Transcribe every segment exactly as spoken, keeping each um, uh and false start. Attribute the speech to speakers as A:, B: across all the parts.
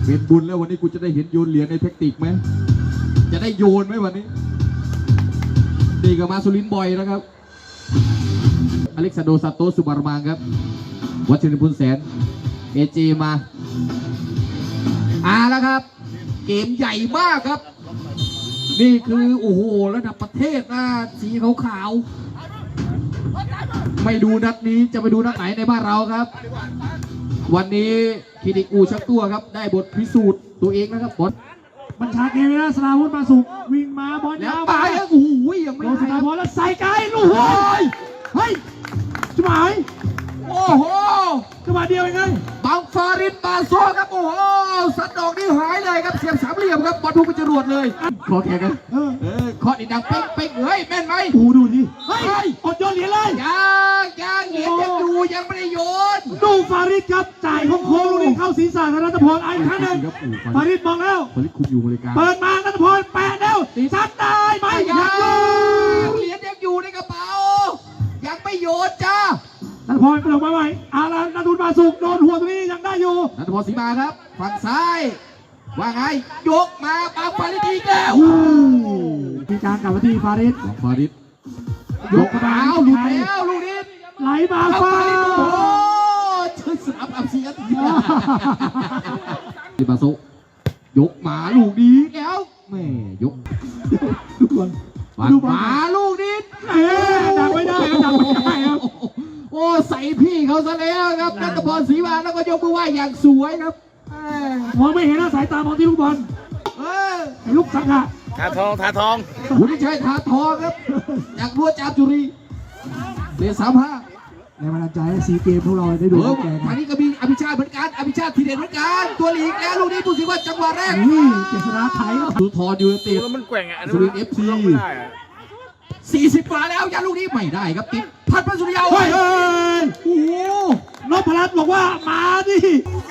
A: เป็นบุญแล้ววันนี้กูจะได้เห็นโยนเหรียญในเทคนิคไหมจะได้โยนไหมวันนี้ดีกับมาสุรินบ่อยนะครับอเล็กซานโดซาโตสุบารมางครับวัชรินทร์พุนแสนเอจีมาอ่าแล้วครับเกมใหญ่มากครับนี่คือโอ้โหระดับประเทศนะสีขาวๆไม่ดูนัดนี้จะไปดูนัดไหนในบ้านเราครับวันนี้คิดิกูชักตัวครับได้บทพิสูจน์ตัวเองนะครับบอล
B: บัญชาเกมนะสลาวุธมาสุกวิ่งมาบอลยาว
A: ไปโอ้โหยังไม่
B: ได้บอลแล้วใส่ไกลลูกโอ้ยเฮ้ยจุ๋มหาย
A: โอ้โห
B: จังหวะเดียวเองไง
A: บังฟารินบาโซครับโอ้โหสันดอกนี่หายเลยครับเสียงสามเหลี่ยมครับบอลพุ่งไปจรวดเลยขอแข่งกันเออเออขออีกดังเป๊กเป๊กเฮ้ยแม่นไหม
B: ดูดูดิเฮ้ยอดโยนเหรียญเลย
A: ยังยังเหรียญยังอยู่ยังไม่ได้โยน
B: ดูฟาริดครับจ่ายโค้งๆลูกนี้เข้าศีรษะธนพลไอ้ครั้งหนึ่งฟาริดมองแล้ว
A: ฟาริดคุมอยู่บริการ
B: เปิดมาธนพลแปะแล้วซัดได้ไหมยังอยู่
A: เหรียญยังอยู่ในกระเป๋ายังไม่โยนจ้า
B: ธนพลกระโดดมาใหม่อารานัทุนมาสุกโดนหัวตรงนี้ยังได้อยู่
A: นัทพลศรีมาครับฝั่งซ้ายว่าไงยกมาปาฟาริดอีกแล้ว
B: มีการกลับมาที่ฟาริด
A: ฟาริดยกมาเอาหลุดแล้วลูกนี้
B: ไหลมาฟาริดโอ้
A: ชื่อสนับอับเสียดิบาโซยกมาลูกนี้แล้วแม่ยก
B: ทุกคน
A: ดูมาลูกนี้
B: เอ๊ะดังไม่ได้ดังไม่ได้ครับ
A: โอ้ใส่พี่เขาซะแล้วครับนัทพลศรีมาแล้วก็ยกมือไหว้อย่างสวยครับ
B: มองไม่เห็นนะสายตามองที่ลูกบอลลูกสังหะ
C: ทาทองทาทอง
A: วุฒิชัยทาทองครับจากรัวจามจุรีเรียนสามห้า
B: ในบรรดาใจสีเกมพวกเราได้ดูแก่
A: วันนี้ก็มีอภิชาติเหมือนกันอภิชาติทีเด็ดเหมือนกันตัวหลีกแล้วลูกนี้ผู้สิว่าจังหวะแรก
B: นี่เจษฎาไทย
A: สุทรยูเนเต็ด
C: มันแกว่งอ่ะ
A: สุรินทร์เอฟซีสี่สิบกว่าแล้วยันลูกนี้ไม่ได้ครับติดพัดพัสุริยา
B: เฮ้ยโอ้โหนพรัตน์บอกว่ามาดิ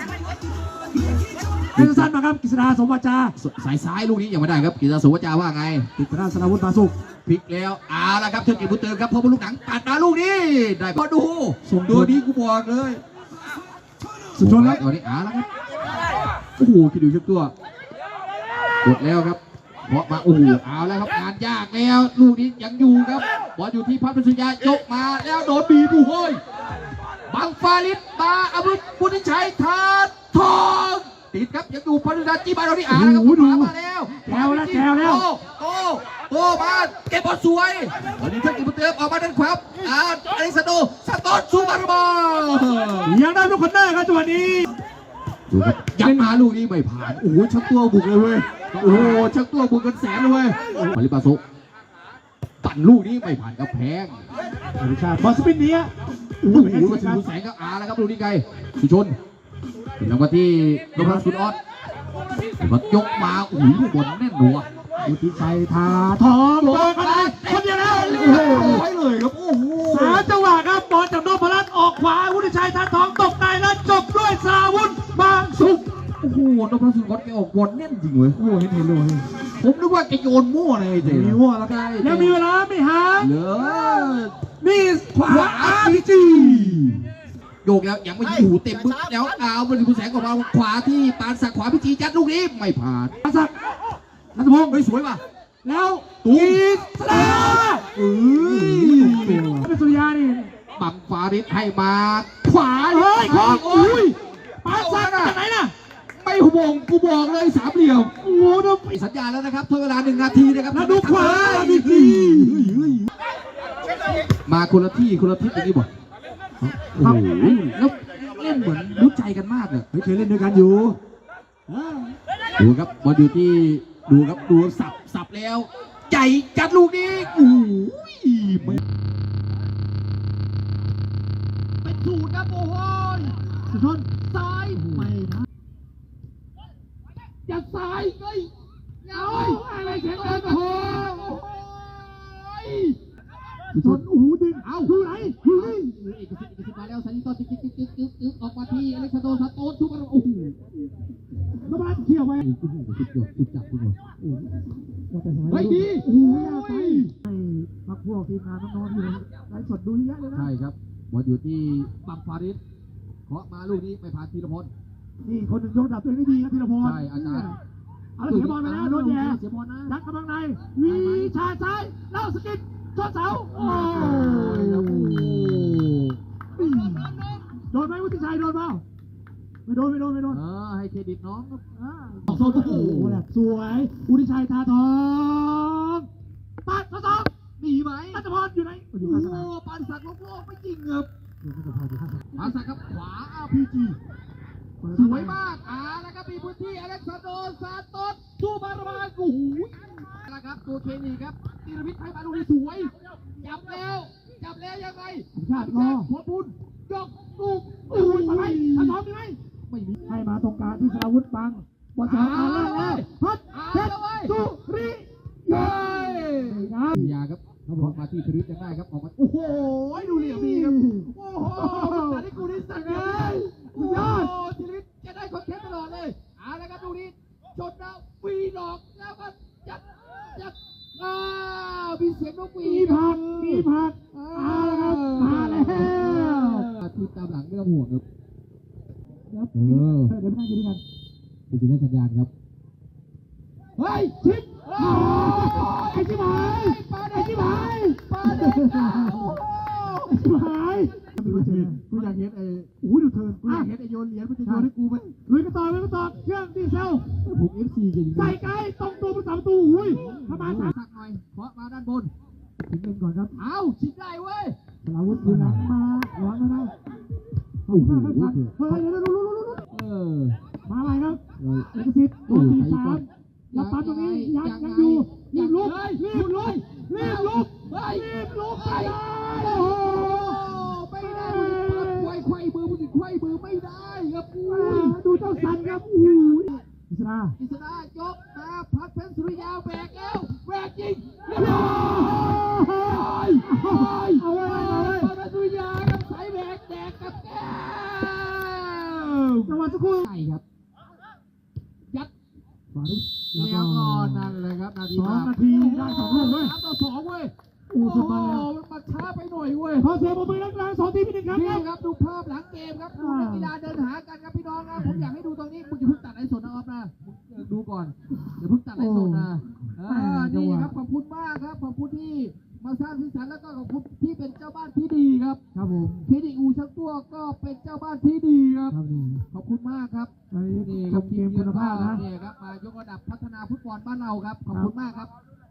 B: เป็นสั้นมาครับกฤษณาสมวัจจา
A: สายซ้ายลูกนี้ยังไม่ได้ครับกฤษณาสมวัจจาว่าไง
B: ติดตราสนาวุฒิมาสุก
A: พลิกแล้วเอาละครับเทคนิคบุตรเติมครับเพราะว่าลูกหนังตัดมาลูกนี้ได้พอดูตัวนี้กูบอกเลย
B: สุดยอดแล้ว
A: ตอนนี้เอาละครับโอ้โหคิดดูชุดตัวกดแล้วครับเพราะมาโอ้โหเอาแล้วครับงานยากแล้วลูกนี้ยังอยู่ครับบอลอยู่ที่พัฒน์สุริยายกมาแล้วโดนบีบูโฮยบังฟาริดมาอาวุธพุทธิชัยทาทองติดครับยังอยู่พัฒน์จีบาเราที่อ่านแล้วครับมาแล้ว
B: แถวแล้วแถวแล้ว
A: โตโตมาเก็บบอลสวยตอนนี้ท่านกิบุเติมออกมาด้านขวาอ่าอเล็กซานโดซาโตสซูบารมา
B: ยังได้ลูกคนแรกครับจังหวะนี้
A: ยังมาลูกนี้ไม่ผ่านโอ้โหชักตัวบุกเลยเว้ยโอ้โหชักตัวบุกกันแสนเลยเว้ยมาริบาโซปั่นลูกนี้ไม่ผ่านกับแพง
B: บอลสปินนี้
A: โอ้โหมาถึงแสงก็อาแล้วครับลูกนี้ไกลสุชนเป็นรางวัลที่นพรัตน์คุณออสมันยกมาโอ้โหลูกบอลแน่นหนัว
B: วุฒิชัยทาทองโดนกันคนเดียวแล้วโอ้โห
A: เลยครับโอ้โห
B: สามจังหวะครับบอลจากนพรัตน์ออกขวาวุฒิชัยทาทองตกในแล้วจบด้วยสราวุธบางสุข
A: โอ้โหนพรัตน์คุณออสแกออกบอลแน่นจริงเว้ย
B: โอ้เห็นเห็นเลย
A: ผมนึกว่าแกโยนมั่วเลยเจ๊
B: มั่วแล้วกันยังมีเวลาไม่ห่าง
A: เหลือ
B: นี่ขวาอาร์พีจี
A: โยกแล้วยังไม่อยู่เต็มบึ้งแล้วเอาบอลผู้แสงของเราขวาที่ปานสักขวาพิจีจัดลูกนี้ไม่ผ่าน
B: ปานสักนัทพงศ์
A: เฮ้ยสวยว่ะ
B: แล้วตูสลาเอ้ยเป็นสุริยานี่
A: บังฟาริดให้มาขวา
B: เฮ้ยของโอ้ยปานสักจากไหนน่ะ
A: ไม่ห่วงกูบอกเลยสามเหลี่ยมโอ้โหดูสัญญาแล้วนะครับทดเวลาหนึ่งนาทีนะครับ
B: แล้วดูขวา
A: ดีดีมาคนละที่คนละทิศอย่างนี้บอกโอ้โหแล้วเล่นเหมือนรู้ใจกันมากเลย
B: เคยเล่นด้วยกันอยู่
A: ดูครับบอลอยู่ที่ดูครับดูสับสับแล้วใหญ่จัดลูกนี้โอ้ยเป็นสูตรนะโอ้ย
B: สุดยอดซ้ายไม่ทัน
A: จะซ้ายเฮ้ย
B: เอาอะไรแข็งแรงโอ้ยสุดยอดโอ้โหดึงเอาดูไหนดูนี่
A: เอกสิทธิ์เอกสิทธิ์มาแล้วสันนิษฐานจิ๊กจิ๊กจิ๊กจิ๊กจิ๊กออกมาที่อเล็กซานโดซาโตสทุกคนโอ้โห
B: นพรัตน์เขี่ยวไป
A: สุดยอดสุดยอดสุดจับสุดยอด
B: เฮ้ยดีโอ้โหไปให้พักพวกทีมงานน้องๆอยู่ไลฟ์สดดูเยอะเลยนะ
A: ใช่ครับบอลอยู่ที่บังฟาริดเคาะมาลูกนี้ไปผ่านธีรพล
B: นี่คนหนึ่งยกระดับตัวเองได้ดีครับธีรพร
A: ใช่อาจารย์
B: เอาละเสียบอลไปแล้วโดนแย่
A: เสียบอลนะ
B: ยัดกำลังในวีชาซ้ายเล่าสกิดชนเสาโอ้ย
A: โอ้โห
B: โดนไหมวุฒิชัยโดนเปล่าไม่โดนไม่โดนไม่โดน
A: เออให้เครดิตน้องครับ
B: อ่าออกโซนโอ้โหแหลกสวยวุฒิชัยทาทองปัดทดสอบ
A: หนีไหม
B: นัทพรอยู่ไหน
A: โอ้
B: อยู่
A: โห
B: ข้างสนาม
A: ปานสักโลกไม่จริงครับ
B: อยู่นัทพรอยู่ข้างสนาม
A: ปานสักครับขวาอาร์พีจีสวยมากอ่าแล้วก็มีพื้นที่อเล็กซานโดซานโตสสู้บาร์บาโอ้โหแล้วครับตัวเคนีครับธีรวิทย์ไทยบาลูนี่สวยจับแล้วจับแล้วยังไง
B: ชาติรอ
A: หัวปุนยกลูก
B: โอ้ยไปไหมทดสอบมีไหม
A: ไม่มี
B: ให้มาตรงกลางที่สราวุธบังบอลสองอ่านแล้วแล้วพัดเพชรสุริเย้นะ
A: ยาครับเขาบอกมาที่ธริตยังได้ครับออกมาโอ้โหดูเหลี่ยมดีครับโอ้โหแต่ที่กูนี่สั่งเลยโอ้โหธริตจะได้คอนเทนต์ตลอดเลยเอาละครับดูนี้ชนแล้วปีดอกแล้วก็จัดจัดอ้าวมีเสียงนกหวี
B: มี
A: ด
B: ผักมีผักมาแล้วครับมาแล้ว
A: ทีมตามหลังไม่ต้องห่วงครับ
B: เดี๋ยวเดี๋ยวไปนั่งกินด้วยกัน
A: คุณจะได้สัญญาณครับ
B: เฮ้ยชิปโอ้ไอ้ชิบหายไอ้ชิบหาย
A: ปาเด็กโอ้โห
B: ไอ้ชิบหายกูอยากเห็นไอ้โอ้ยดูเธอกูอยากเห็นไอ้โยนเหรียญมันจะโยนให้กูไหมลุยกันต่อลุยกันต่อเครื่องดีเซล
A: ผมเอฟซีกันจริงๆ
B: ใส่ไกลตรงตัวผู้สามประตูอุ้ยทำไม
A: สั
B: สั
A: ก
B: ก
A: หน่อยเพราะมาด้านบน
B: ถึงเงินก่อนครับ
A: เอาชิดได้เว้ย
B: สลาวุธดูหลังมาหลังมาได้โอ้โหเฮ้ยเดี๋ยวดูดูดูดู
A: เออ
B: มาอะไรครับ
A: เออ
B: เอกสิทธิ์โดนตีสามอย่าปั๊มตรงนี้ยังยังอยู่รีบลุกรีบลุกรีบลุกรีบลุกไปเลยโอ้โห
A: ไม่ได้ไขว้ไขว้มือมึงไขว้มือไม่ได้ครับอุ้ย
B: ดูเจ้าสันครับอู้ยอิสรา
A: อิสระยกมาพัดเพชรสุริยาแบกแล้วแบกยิงเรียบ
B: โอ้
A: ร้อย
B: ยเอาไว้เอาไว้
A: พัดเพชรสุริยาครับสายแบกแดกกับแก้ว
B: จังหวะสักครู่
A: ใช่ครับยัด
B: มาดิ
A: เลี้ยงก่อนนั่นเลยครับนาที
B: สองนาทีได้สองลูกด้วย
A: สามต่อสองเว้ย
B: โอ้สุดมาแล้ว
A: มันมาช้าไปหน่อยเว้ย
B: ขอเสียงปรบมือดังๆสองทีมพี่หนึ่งครับ
A: นี่ครับดูภาพหลังเกมครับดูนักกีฬาเดินหากันครับพี่น้องนะผมอยากให้ดูตรงนี้มึงอย่าเพิ่งตัดไอ้สดนะออฟนะมึงดูก่อนอย่าเพิ่งตัดไอ้สดนะเออนี่ครับขอบคุณมากครับขอบคุณที่มาสร้างสีสันแล้วก็ขอบคุณที่เป็นเจ้าบ้านที่ดีครับ
B: ครับผม
A: คลินิกอูช่างตัวก็เป็นเจ้าบ้านที่ดีครับ
B: ครับนี่
A: ขอบคุณมากครับ
B: ไป
A: นี่
B: ช
A: ครับ
B: มเกมคุณภาพนะ
A: นี่ครับมายกระดับพัฒนาฟุตบอลบ้านเราครับขอบคุณมากครับ